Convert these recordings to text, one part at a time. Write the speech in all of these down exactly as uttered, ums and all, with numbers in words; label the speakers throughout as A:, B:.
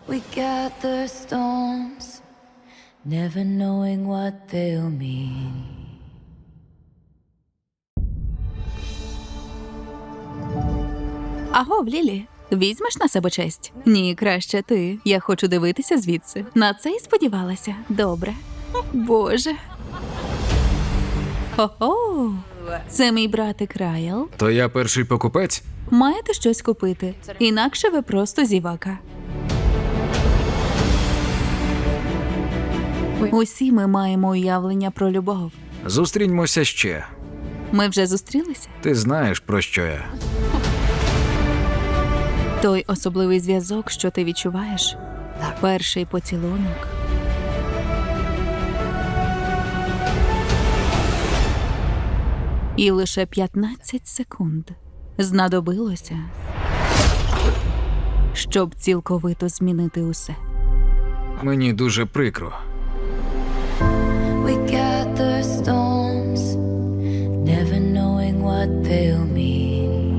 A: We gather storms, never knowing what they'll mean.
B: Агов, Лілі, візьмеш на себе честь? Ні, краще ти. Я хочу дивитися звідси. На це й сподівалася. Добре. Боже. Хо-хо. Це мій братик Райл.
C: То я перший покупець?
B: Маєте щось купити. Інакше ви просто зівака. Усі ми маємо уявлення про любов.
C: Зустріньмося ще.
B: Ми вже зустрілися?
C: Ти знаєш, про що я.
B: Той особливий зв'язок, що ти відчуваєш. Перший поцілунок. І лише п'ятнадцять секунд знадобилося, щоб цілковито змінити усе.
C: Мені дуже прикро.
A: We gather storms, never knowing what they'll mean.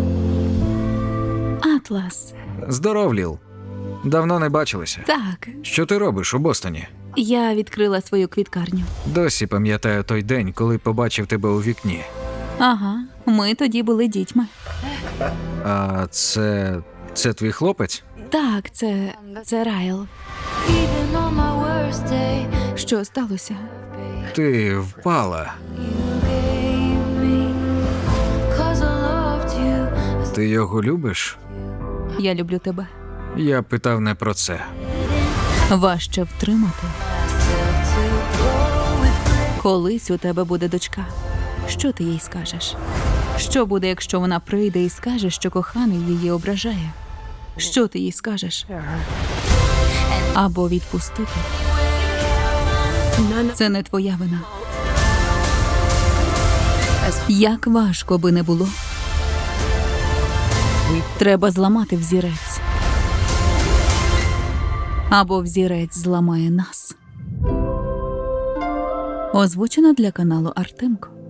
B: Атлас.
C: Здоров, Ліл. Давно не бачилися.
B: Так,
C: Що ти робиш у Бостоні?
B: я відкрила свою квіткарню.
C: Досі пам'ятаю той день, коли побачив тебе у вікні.
B: Ага, ми тоді були дітьми.
C: А це... це твій хлопець?
B: Так, це... це Райл.
A: Even on my worst day,
B: Що сталося?
C: Ти впала.
A: you gave me. 'Cause I loved you as
C: Ти його любиш?
B: Я люблю тебе.
C: Я питав не про це.
B: Важче втримати.
A: myself to go with.
B: Колись у тебе буде дочка. Що ти їй скажеш? Що буде, якщо вона прийде і скаже, що коханий її ображає? Що ти їй скажеш? Або відпустити. Це не твоя вина. Як важко би не було, треба зламати взірець. Або взірець зламає нас. Озвучено для каналу Артемко.